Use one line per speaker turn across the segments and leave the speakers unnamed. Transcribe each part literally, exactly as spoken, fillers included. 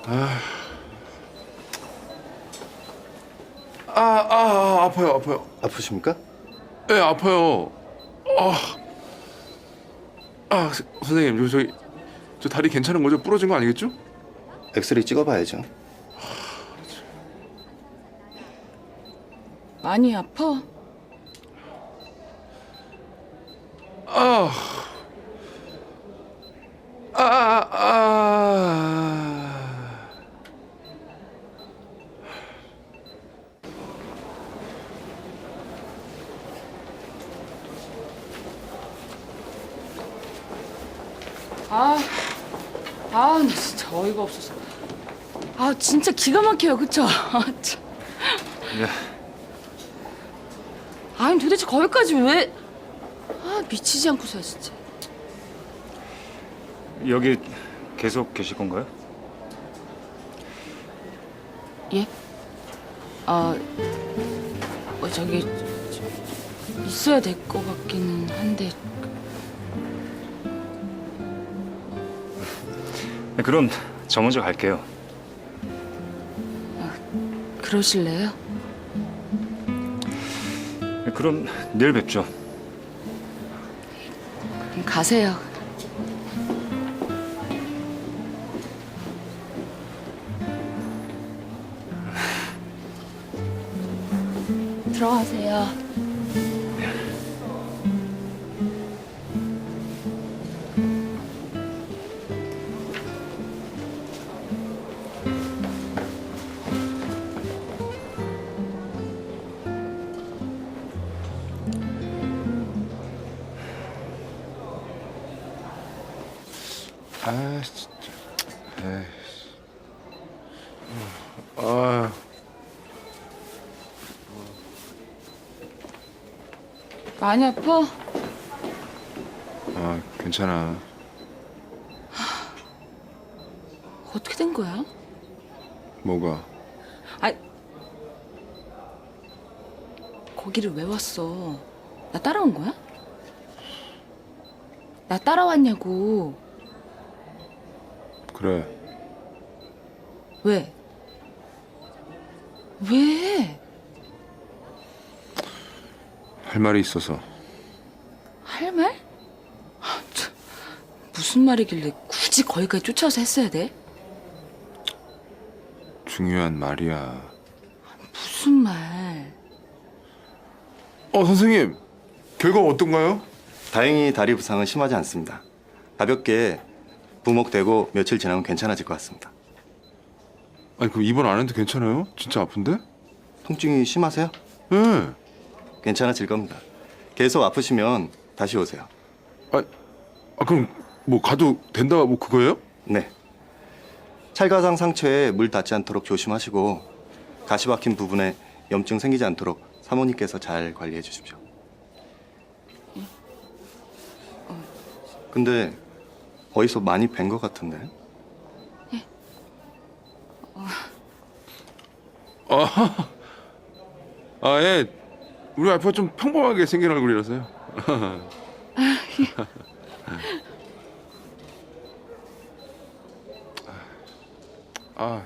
아, 아, 아, 아파요, 아파요.
아프십니까?
예, 네, 아파요. 아, 아, 서- 선생님, 저, 저기, 저 다리 괜찮은 거죠? 부러진 거 아니겠죠?
엑스레이 찍어봐야죠.
많이 아파?
아, 아, 아, 아.
아, 아, 나 진짜 어이가 없어서. 아, 진짜 기가 막혀요, 그쵸? 아, 참.
예.
아니, 도대체 거기까지 왜? 아, 미치지 않고서야, 진짜.
여기 계속 계실 건가요?
예? 아, 어, 저기, 저, 있어야 될 것 같기는 한데.
네, 그럼 저 먼저 갈게요.
그러실래요?
네, 그럼 내일 뵙죠.
그럼 가세요. 들어가세요.
아, 진짜. 에이. 아,
많이 아파?
아, 괜찮아.
어떻게 된 거야?
뭐가?
아, 거기를 왜 왔어? 나 따라온 거야? 나 따라왔냐고.
그래.
왜? 왜?
할 말이 있어서.
할 말? 아, 참, 무슨 말이길래 굳이 거기까지 쫓아와서 했어야 돼?
중요한 말이야.
무슨 말?
어, 선생님. 결과 어떤가요?
다행히 다리 부상은 심하지 않습니다. 가볍게 부목되고 며칠 지나면 괜찮아질 것 같습니다.
아니, 그럼 입원 안 해도 괜찮아요? 진짜 아픈데?
통증이 심하세요?
네.
괜찮아질 겁니다. 계속 아프시면 다시 오세요.
아, 아, 그럼 뭐 가도 된다 뭐 그거예요?
네. 찰가상 상처에 물 닿지 않도록 조심하시고 가시 박힌 부분에 염증 생기지 않도록 사모님께서 잘 관리해 주십시오. 근데 어디서 많이 뵌 것 같은데?
아, 아, 예. 우리 와이프가 좀 평범하게 생긴 얼굴이라서요. 아,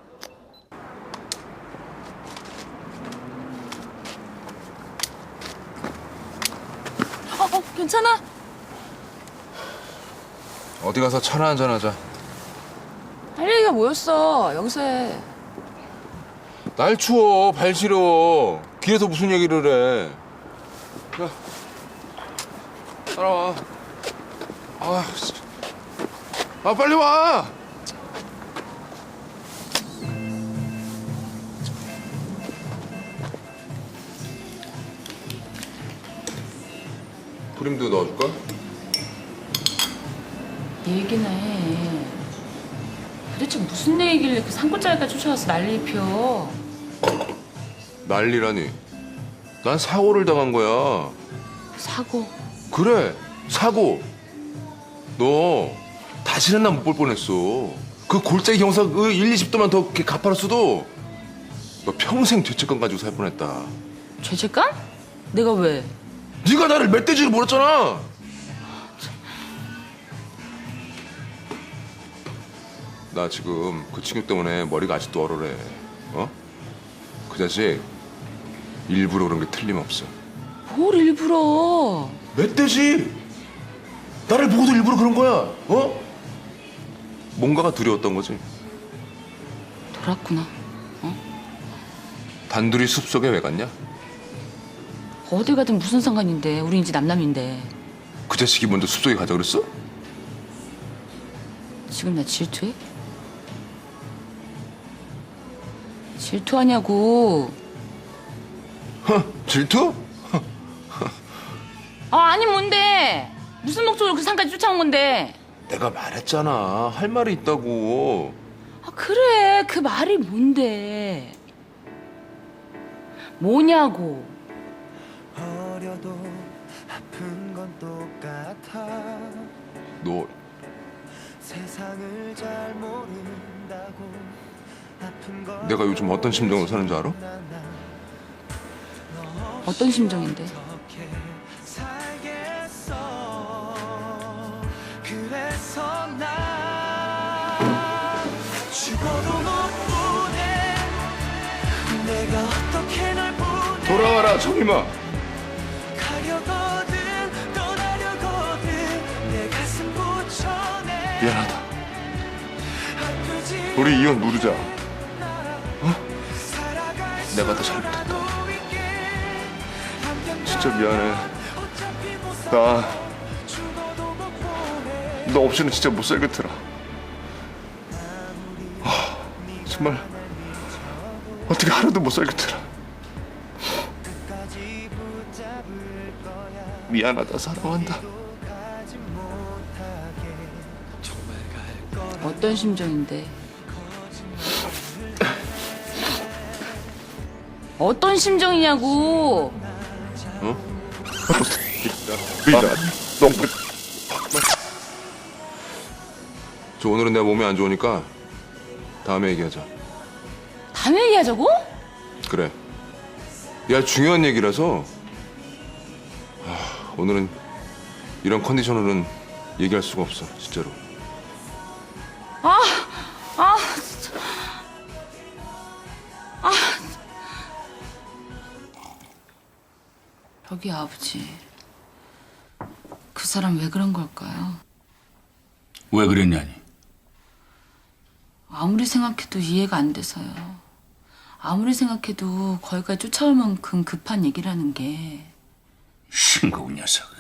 어, 어, 괜찮아?
어디 가서 차나 한잔 하자.
할 얘기가 뭐였어? 여기서 해.
날 추워, 발 시려. 길에서 무슨 얘기를 해. 야, 따라와. 아, 씨. 아, 빨리 와. 프림도 넣어줄까?
얘기나 해. 도대체 무슨 얘기길래 그 산골짜기까지 쫓아와서 난리 입혀.
난리라니. 난 사고를 당한 거야.
사고.
그래, 사고. 너 다시는 나 못 볼 뻔했어. 그 골짜기 경사 그 일, 이십 도만 더 이렇게 가팔았어도 너 평생 죄책감 가지고 살 뻔했다.
죄책감? 내가 왜?
네가 나를 멧돼지로 몰았잖아. 나 지금 그 친구 때문에 머리가 아직도 얼얼해. 어? 그 자식 일부러 그런 게 틀림없어.
뭘 일부러.
멧돼지! 나를 보고도 일부러 그런 거야. 어? 뭔가가 두려웠던 거지.
돌았구나.
단둘이 숲속에 왜 갔냐?
어딜 가든 무슨 상관인데. 우리 이제 남남인데.
그 자식이 먼저 숲속에 가자 그랬어?
지금 나 질투해? 질투하냐고.
허, 질투?
아, 아니 뭔데? 무슨 목적으로 그 산까지 쫓아온 건데?
내가 말했잖아. 할 말이 있다고.
아, 그래. 그 말이 뭔데? 뭐냐고.
어려도 아픈 건 똑같아.
너
세상을 잘 모른다고 아픈 건
내가 요즘 어떤 심정으로 사는 줄 알아?
어떤 심정인데?
어떻게 살겠어. 그래서 나 죽어도 못 보내. 내가 어떻게 널 보내.
돌아와라, 정임아.
가려거든 떠나려거든 내 가슴 붙여내.
미안하다.
아프지
우리 이혼 누르자.
살아갈
내가 더
수라도
잘못했다.
있게. 함께
진짜 미안해.
어차피 못 살아.
나,
죽어도 못 보내.
너 없이는 진짜 못 살겠더라. 아, 정말 어떻게 하루도 못 살겠더라.
끝까지 붙잡을 거야.
미안하다, 사랑한다.
가지 못하게 정말 갈 거야.
어떤 심정인데? 어떤 심정이냐고.
미안하다. 너무. 저 오늘은 내가 몸이 안 좋으니까 다음에 얘기하자.
다음에 얘기하자고?
그래. 야, 중요한 얘기라서. 아, 오늘은 이런 컨디션으로는 얘기할 수가 없어, 진짜로.
아, 아, 진짜. 아. 여기 아버지. 그 사람 왜 그런 걸까요?
왜 그랬냐니?
아무리 생각해도 이해가 안 돼서요. 아무리 생각해도 거기까지 쫓아올 만큼 급한 얘기라는 게.
싱거운 녀석은.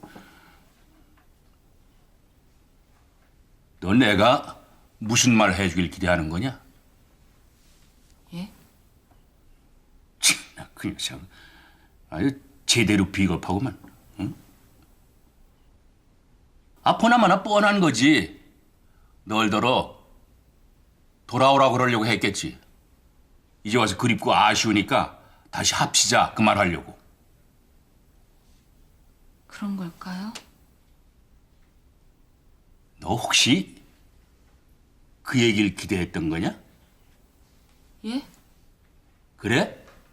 너 내가 무슨 말 해주길 기대하는 거냐?
예?
참나 그 녀석 아유 제대로 비겁하구만. 응? 아포나마나 뻔한 거지. 널더러 돌아오라 그러려고 했겠지. 이제 와서 그립고 아쉬우니까 다시 합시자 그 말 하려고.
그런 걸까요?
너 혹시 그 얘기를 기대했던 거냐?
예?
그래?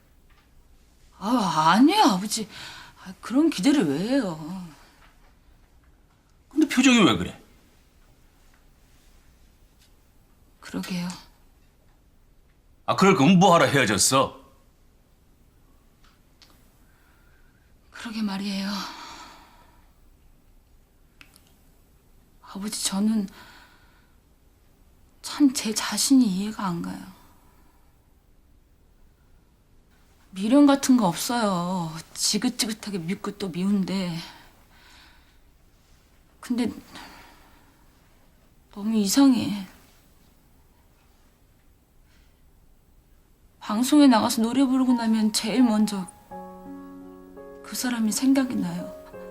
아, 아니에요, 아버지. 아, 그런 기대를 왜 해요?
근데 표정이 왜 그래?
그러게요.
아 그럴 거면 뭐하러 헤어졌어?
그러게 말이에요. 아버지, 저는 참 제 자신이 이해가 안 가요. 미련 같은 거 없어요. 지긋지긋하게 믿고 또 미운데. 근데 너무 이상해. 방송에 나가서 노래 부르고 나면 제일 먼저 그 사람이 생각이 나요.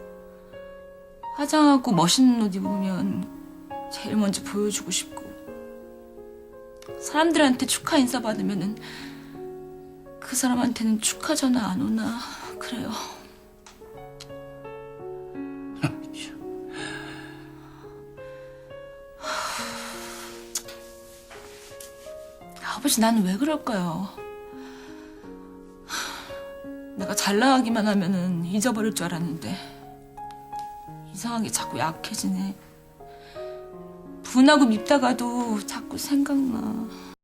화장하고 멋있는 옷 입으면 제일 먼저 보여주고 싶고, 사람들한테 축하 인사 받으면은 그 사람한테는 축하 전화 안 오나 그래요. 아버지, 나는 왜 그럴까요? 내가 잘 나가기만 하면은 잊어버릴 줄 알았는데 이상하게 자꾸 약해지네. 분하고 밉다가도 자꾸 생각나.